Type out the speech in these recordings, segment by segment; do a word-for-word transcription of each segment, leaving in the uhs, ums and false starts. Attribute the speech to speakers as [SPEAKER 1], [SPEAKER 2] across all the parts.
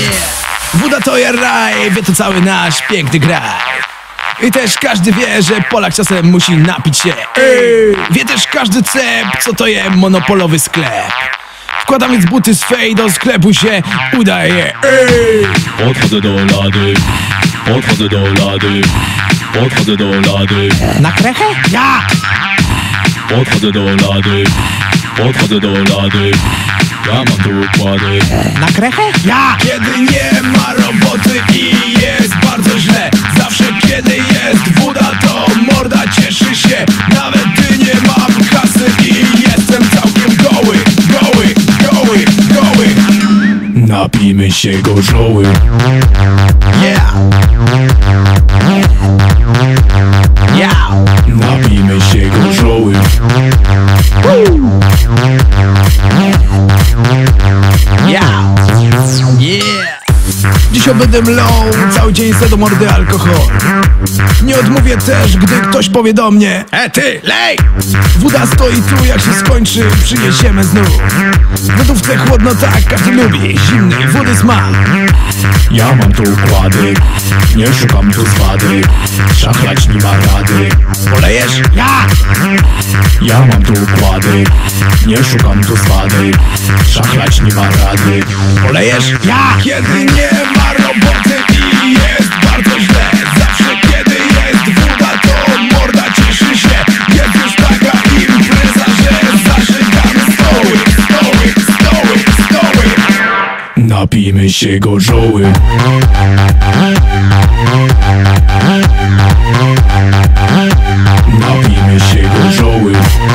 [SPEAKER 1] Yeah! Woda to ja raj, wie to cały nasz piękny kraj. I też każdy wie, że Polak czasem musi napić się. Ej! Wie też każdy cep, co to jest monopolowy sklep. Wkładam więc buty swej, do sklepu się udaje. Ej!
[SPEAKER 2] Podchodzę do lady, podchodzę do lady, podchodzę do lady.
[SPEAKER 1] Na krechę? Ja!
[SPEAKER 2] Podchodzę do lady, podchodzę do lady. Ja mam tu układy.
[SPEAKER 1] Na krechę? Ja! Kiedy nie ma roboty i jest bardzo źle, zawsze kiedy jest woda, to morda cieszy się. Nawet gdy nie mam kasy i jestem całkiem goły, goły, goły, goły.
[SPEAKER 2] Napijmy się gorzoły.
[SPEAKER 1] Yeah! Yeah!
[SPEAKER 2] Napijmy się gorzoły.
[SPEAKER 1] Yeah! Yeah! Dziś będę mlał cały dzień se do mordy alkohol. Nie odmówię też, gdy ktoś powie do mnie: E ty, lej! Woda stoi tu, jak się skończy, przyniesiemy znów. W lodówce chłodno, tak każdy lubi zimnej wody smak.
[SPEAKER 2] Ja mam tu układy, nie szukam tu zwady. Szachlać nie ma rady.
[SPEAKER 1] Polejesz? Ja!
[SPEAKER 2] Ja mam tu układy, nie szukam tu zwady. Szachlać nie ma rady.
[SPEAKER 1] Polejesz? Ja! Kiedy nie ma roboty i jest bardzo źle, zawsze kiedy jest woda, to morda cieszy się. Jest już taka impreza, że zażygamy stoły, stoły, stoły, stoły.
[SPEAKER 2] Napijmy się gorzoły. Napijmy się gorzoły.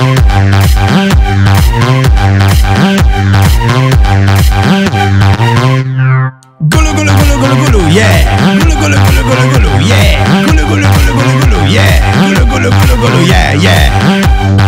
[SPEAKER 1] Gulu, gulu, gulu, gulu, gulu, yeah. Gulu, gulu, gulu, gulu, gulu, yeah. Gulu, gulu, gulu, gulu, gulu, yeah. Gulu, gulu, gulu, gulu, yeah, yeah.